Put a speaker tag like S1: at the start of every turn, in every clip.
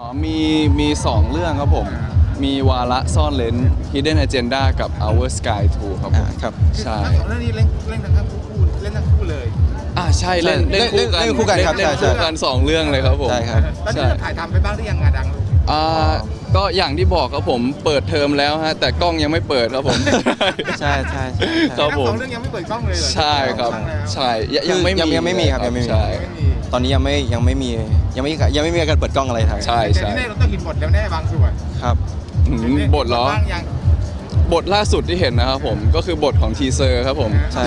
S1: มี2เรื่องครับผมมีวาระซ่อนเลน Hidden Agenda กับ Our Sky 2ครับผม
S2: ครับ
S1: ใช่
S3: ทั้งสองเรื่องนี้เล่นทั้งคู่เล่นทั้งคู่เลย
S1: ใช่เล่น
S2: คู่กันครับ
S1: เล่นคู่กัน2เรื่องเลยครับผม
S2: ใช่ครับ
S3: ตอนนี้เราถ่ายทำไปบ้างหรือยังงาดังลูก
S1: ก็อย่างที่บอกครับผมเปิดเทอมแล้วฮะแต่กล้องยังไม่เปิดครับผม
S2: ใช่
S1: ครับผม
S3: ทั้งสองเรื่องยังไม่เปิดกล้องเลยเหรอ
S1: ใช่ครับใช่ยังไม่
S2: มีครับยังไม่มี
S1: ใช่
S2: ตอนนี้ยังไม่มีการเปิดกล้องอะไรทั้ง
S1: ใช่
S3: แต่ที่แน่เราต้องเห็นบทแล้วแน่บางส่วน
S2: ครับ
S1: บทเหรอ
S3: บ้างยัง
S1: บทล่าสุดที่เห็นนะครับผมก็คือบทของทีเซอร์ครับผม
S2: ใช่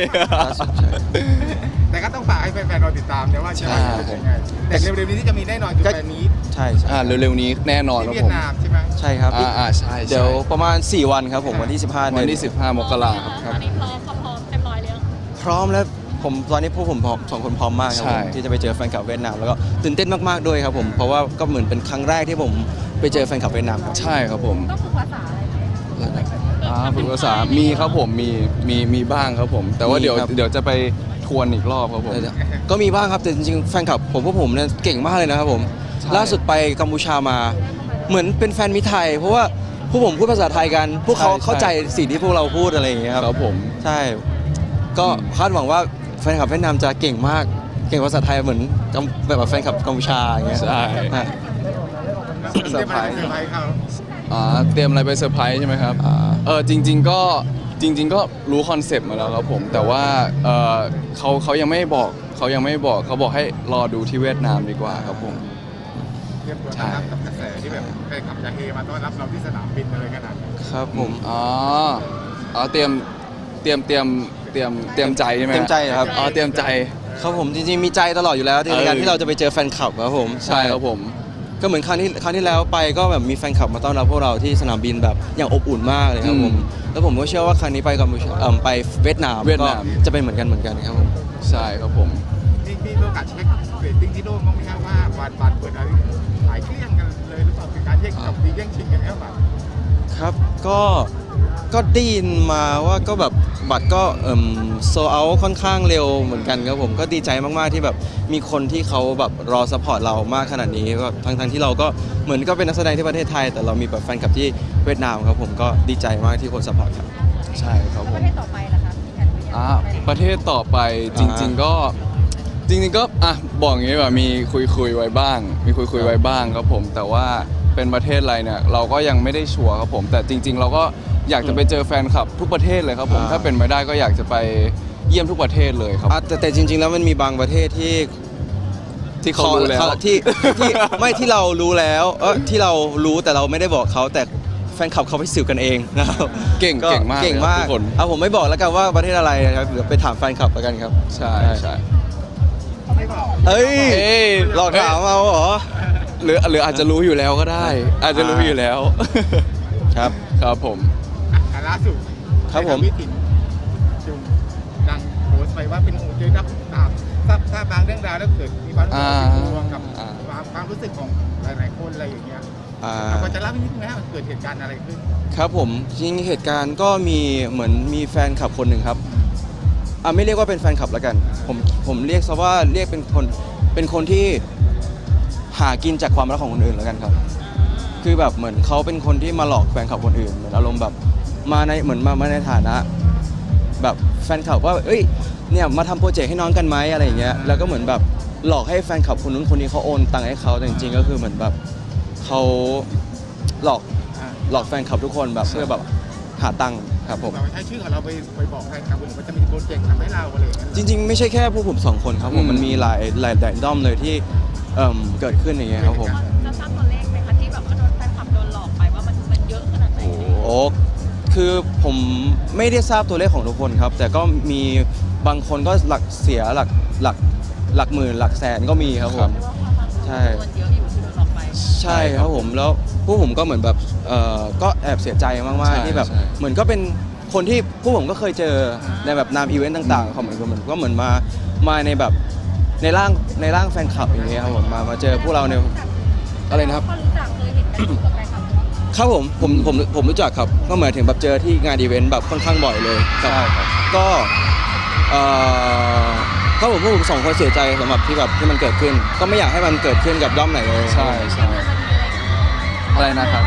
S3: แต่ก็ต้องฝากให้แฟนๆเราติดตามนะว่าจะเป็นยังไงแต่เร็วๆนี้ที่จะมีแน่นอนคือแฟนนี้
S2: ใช่
S1: เร็วๆนี้แน่นอนครับ
S3: ที่เวี
S1: ผ
S3: ย
S1: ม
S3: ดนามใช่ไหม
S2: ใช่ครับ
S1: ใช่
S2: เดี๋ยวประมาณ4วันครับผมวันที่15
S1: วันที่15 มกราคม
S4: ตอนนี้พร้อมเต็มร้อยแล้ว
S2: พร้อมแล้วตอนนี้พวกผม2คนพร้อมมากครับผมที่จะไปเจอแฟนคลับเวียดนามแล้วก็ตื่นเต้นมากๆด้วยครับผมเพราะว่าก็เหมือนเป็นครั้งแรกที่ผมไปเจอแฟนคลับเวียดนามครับ
S1: ใช่ครับผม
S4: ต้องฝึกภาษาอะไรไหม
S1: ฝึกภาษามีครับผมมีบ้างครับผมแต่ว่าเดี๋ยวจะไปทวนอีกรอบครับผม
S2: ก็มีบ้างครับแต่จริงๆแฟนคลับพวกผมเนี่ยเก่งมากเลยนะครับผมล่าสุดไปกัมพูชามาเหมือนเป็นแฟนมิตรไทยเพราะว่าพวกผมพูดภาษาไทยกันพวกเขาเข้าใจสิ่งที่พวกเราพูดอะไรอย่างเงี้ย
S1: ครับผม
S2: ใช่ก็คาดหวังว่าแฟนคลับเวียดนามจะเก่งมากเก่งภาษาไทยเหมือนแบบแฟนคลับกัมพูชาอย่างเงี้ย
S1: ใช่
S3: เซอร์ไพรส์เขา
S1: เตรียมอะไรไปเซอร์ไพรส์ใช่ไหมครับจริงๆก็รู้คอนเซปต์มาแล้วครับผมแต่ว่าเขายังไม่บอกเขาบอกให้รอดูที่เวียดนามดีกว่าครับผม
S3: เตรียมตัวรับกับกระแสที่แบบแฟนคลับจะเฮมาต้อนรับเราที่สนามบินอะไรขนาดนี้
S2: ครับผม
S1: เตรียมใจใช่ไหม
S2: เตรียมใจครับ
S1: เตรียมใจ
S2: ครับผมจริงๆมีใจตลอดอยู่แล้วในการที่เราจะไปเจอแฟนคลับครับผม
S1: ใช่ครับผม
S2: ก็เหมือนครั้งที่แล้วไปก็แบบมีแฟนคลับมาต้อนรับพวกเราที่สนามบินแบบอย่างอบอุ่นมากเลยครับผมแล้วผมก็เชื่อว่าครั้งนี้ไปกัมพูชาไปเวียดนามก็จะเป็นเหมือนกันครับผม
S1: ใช่ครับผม
S3: ที่โอกาสเช็คเรตติ้งที่โดนมองไหมครับว่าบัตรเปิดอะไรหลายเครื่องกันเลยหรือเปล่าเป็นการแย่งกับดีแย่งชิงกันแล้วแบบ
S2: ครับก็ได้ยินมาว่าก็แบบบัตรก็โซเอาค่อนข้างเร็วเหมือนกันครับผมก็ดีใจมากๆที่แบบมีคนที่เขาแบบรอซัพพอร์ตเรามากขนาดนี้ก็ทั้งที่เราก็เหมือนก็เป็นนักแสดงที่ประเทศไทยแต่เรามีแบบแฟนคลับที่เวียดนามครับผมก็ดีใจมากที่คนซัพพอร์ตครับ
S1: ใช่ครับผม
S4: ประเทศต่อไปล่ะครับ
S1: ประเทศต่อไปจริงๆก็บอกอย่างนี้แบบมีคุยไว้บ้างครับผมแต่ว่าเป็นประเทศอะไรเนี่ยเราก็ยังไม่ได้ชัวร์ครับผมแต่จริงๆเราก็อยากจะไปเจอแฟนคลับทุกประเทศเลยครับผมถ้าเป็นไปได้ก็อยากจะไปเยี่ยมทุกประเทศเลยครับ
S2: แต่จริงๆแล้วมันมีบางประเทศที่
S1: เขารู้แล้ว
S2: ที่ไม่ที่เรารู้แล้วที่เรารู้แต่เราไม่ได้บอกเขาแต่แฟนคลับเขาไปสืบกันเองนะครับ
S1: เก่งมาก
S2: ทุกคนผมไม่บอกแล้วกันว่าประเทศอะไรครับเดี๋ยวไปถามแฟนคลับแล้วกันครับ
S1: ใช่
S2: เฮ้ยหลอกถามเอาเหรอ
S1: หรืออาจจะรู้อยู่แล้วก็ได้อาจจะรู้อยู่แล้วครับผม
S3: ล่าสุด
S2: ครับผม
S3: วิถินจุงดังโพสต์ไปว่าเป็นโอ้เจอนักตามทราบบางเรื่องราวแล้วเกิดมีความรู้สึกรวมกับความรู้สึกของหลายๆคนอะไรอย่างเงี้ยเราจะเล่านิดนึงนะมันเกิดเหตุการณ์อะไรขึ้น
S2: ครับผมจริงเหตุการณ์ก็มีเหมือนมีแฟนคลับคนหนึ่งครับไม่เรียกว่าเป็นแฟนคลับแล้วกันผมเรียกซะว่าเรียกเป็นคนที่หากินจากความรักของคนอื่นแล้วกันครับคือแบบเหมือนเขาเป็นคนที่มาหลอกแฟนคลับคนอื่นเหมือนอารมณ์แบบมาในฐานะแบบแฟนคลับว่าเอ้ยเนี่ยมาทำโปรเจกต์ให้น้องกันไหมอะไรอย่างเงี้ยแล้วก็เหมือนแบบหลอกให้แฟนคลับคนนู้นคนนี้เขาโอนตังค์ให้เขาแต่จริงๆก็คือเหมือนแบบเขาหลอกแฟนคลับทุกคนแบบเพื่อแบบหาตังค์ครับผม
S3: ใช้ชื่อของเราไปบอกแฟนคลับคนอื่นว่าจะมีโปรเจกต์ทำให้เราอะไรอย่างเงี้ย
S2: จริงๆไม่ใช่แค่พวกผม2คนครับผมมันมีหลายด้อมเลยที่เกิดขึ้นอย่างเงี้ยครับผม
S4: จะทราบตัวเลขไหมคะที่แบบว่าโดนแฟนคลับโดนหลอกไปว่ามันเยอะขนาดไหน
S2: คือผมไม่ได้ทราบตัวเลขของทุกคนครับแต่ก็มีบางคนก็หลักเสียหลักหมื่นหลักแสนก็มีครับผมใช่ใช่ครับผมแล้วพวกผมก็เหมือนแบบก็แอบเสียใจมากๆที่แบบเหมือนก็เป็นคนที่พวกผมก็เคยเจอในแบบนามอีเวนต์ต่างๆเขาเหมือนก็เหมือนมาในแบบในร่างแฟนคลับอย่างเงี้ยครับผมมาเจอพวกเราในอะไรนะครับครับผมรู้จักครับก็หมายถึงแบบเจอที่งานอีเวนต์แบบค่อนข้างบ่อยเลย
S1: ใช่ครับ
S2: ก็พวกผม2คนเสียใจสำหรับที่แบบที่มันเกิดขึ้นก็ไม่อยากให้มันเกิดขึ้นกับด้อมไหนเลย
S1: ใช่อะไรนะครับ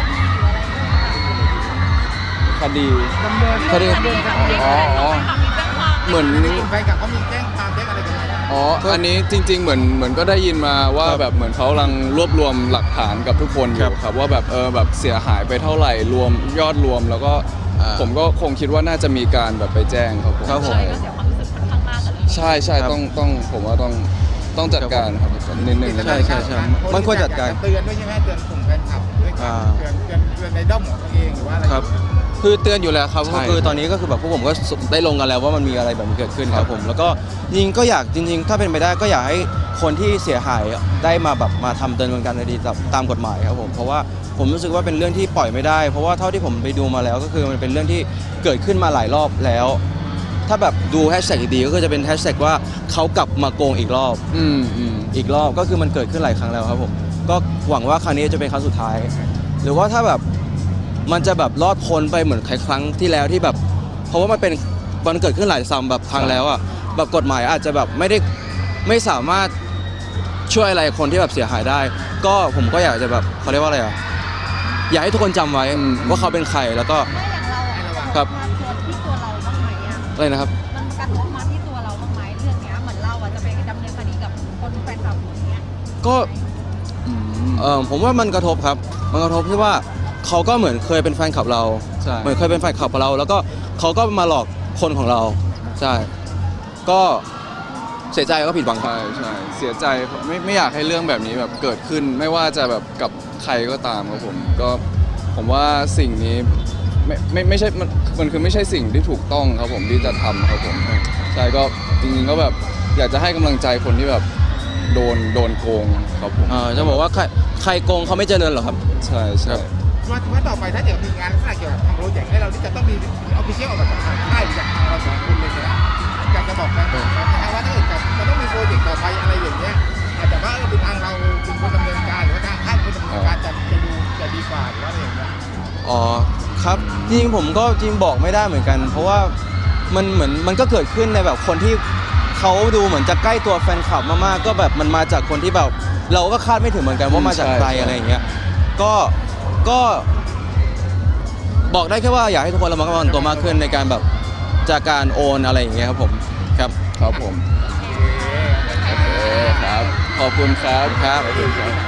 S1: คดี
S3: ดำเนิน
S2: คดี
S1: อ๋อ เหมือน
S3: แฟนคลับเขามีแจ้งความแจ้งอะไรกันไหม
S1: อ๋อ อันนี้จริง ๆ เหมือนก็ได้ยินมาว่า
S2: ครับ
S1: แบบเหมือนเขากำลังรวบรวมหลักฐานกับทุกคนอ
S2: ครั
S1: ยู่
S2: บ
S1: ครับว่าแบบแบบเสียหายไปเท่าไหร่รวมยอดรวมแล้วก็ ผมก็คงคิดว่าน่าจะมีการแบบไปแจ้งครับผม
S2: ครับผม
S4: ใช่ก็เสียความรู้สึกค่อนข้างมากกับเรื่องนี้
S1: ใช่ใช่
S2: ครับ
S1: ต้องผมว่าต้องจัดการครับนิดนึง
S2: ใช่ใช่ใช่มันควรจัดการ
S3: เตือนด้วยใช่ไหมเตือนกลุ่มแฟนคลับด้วยเตือนในด้อมของตัวเองหรือว่าอะไร
S2: ครับ คือเตือนอยู่แล้วครับ
S1: ใช่
S2: ก็คือตอนนี้ก็คือแบบพวกผมก็ได้ลงกันแล้วว่ามันมีอะไรแบบนี้เกิดขึ้นครับผม แล้วก็จริงๆก็อยากจริงๆ ถ้าเป็นไปได้ก็อยากให้คนที่เสียหายได้มาแบบมาทำดำเนินการคดีตามกฎหมายครับผมเพราะว่าผมรู้สึกว่าเป็นเรื่องที่ปล่อยไม่ได้ เพราะว่าเท่าที่ผมไปดูมาแล้วก็คือมันเป็นเรื่องที่เกิดขึ้นมาหลายรอบแล้ว ถ้าแบบดูแฮชแท็กดีๆก็จะเป็นแฮชแท็กว่าเขากลับมาโกงอีกรอบ อีกรอบก็คือมันเกิดขึ้นหลายครั้งแล้วครับผมก็หวังว่าครั้งนี้จะเป็นครั้งสุดท้าย หรือว่าถ้าแบบมันจะแบบรอดพ้นไปเหมือนครั้งที่แล้วที่แบบ เพราะว่ามันเกิดขึ้นหลายซ้ำแบบครั้งแล้วอ่ะแบบกฎหมายอาจจะแบบไม่สามารถช่วยอะไรคนที่แบบเสียหายได้ ก็ผมก็อยากจะแบบเขาเรียกว่าอะไรอ่ะอยากให้ทุกคนจำไว้ว่าเขาเป็นใครแล้วก็
S4: ไม่อย่างเราอะ
S2: ครับ
S4: มาที่ตัวเราบ้างไหมอะ
S2: อะไรนะครับ
S4: มันกระทบมาที่ตัวเราบ้างไหมเรื่องเนี้ยเหมือนเราอะจะไปดำเนินคดีกับคนแฟนคลับอย่างเงี้ย
S2: ก็ผมว่ามันกระทบครับ มันกระทบที่ว่าเขาก็เหมือนเคยเป็นแฟนคลับเรา
S1: ใช่
S2: เหมือนเคยเป็นแฟนคลับของเรา แล้วก็เขาก็มาหลอกคนของเรา ใช่ ก็เสียใจก็ผิดหวังครับ
S1: ใช่เสียใจไม่อยากให้เรื่องแบบนี้แบบเกิดขึ้น ไม่ว่าจะแบบกับใครก็ตามครับผมว่าสิ่งนี้ไม่ใช่มันคือไม่ใช่สิ่งที่ถูกต้องครับผมที่จะทำครับผมใช่ก็จริงๆก็แบบอยากจะให้กำลังใจคนที่แบบโดนโกงครับผม
S2: จะบอกว่าใครโกงเขาไม่เจริญหรอกครับ
S1: ใช่
S2: ครั
S1: ใช่
S2: บ
S3: ว่าต่อไปถ้าเกิดมีงานลักษณะเกี่ยวกับทางโปรเจกต์ให้เราที่จะต้องมีออฟฟิเชียลออกมาจากทางค่ายหรือจากทางเราสองคนเลยเนี่ยอยากจะบอกแฟนคลับนะว่าถ้าเกิดจะต้องมีโปรเจกต์ต่อไปอะไรอย่างเงี้ยอาจจะว่าเป็นทางเราเป็นคนดำเนินการหรือว่าทางค่ายเป็นคนดำเนินการจะดีกว่าหรือว่าอะไรอย่างเงี้ย
S2: อ๋อครับจริงๆผมก็จริงบอกไม่ได้เหมือนกัน เพราะว่ามันเหมือนมันก็เกิดขึ้นในแบบคนที่เขาดูเหมือนจะใกล้ตัวแฟนคลับมากๆก็แบบมันมาจากคนที่แบบเราก็คาดไม่ถึงเหมือนกันว่ามาจากใครอะไรอย่างเงี้ยก็บอกได้แค่ว่าอยากให้ทุกคนระมัดระวังตัวมากขึ้นในการแบบจากการโอนอะไรอย่างเงี้ยครับผมครับ
S1: ครับผมโอเคครับขอบคุณครับ
S2: ครับ
S1: ขอบคุณครับ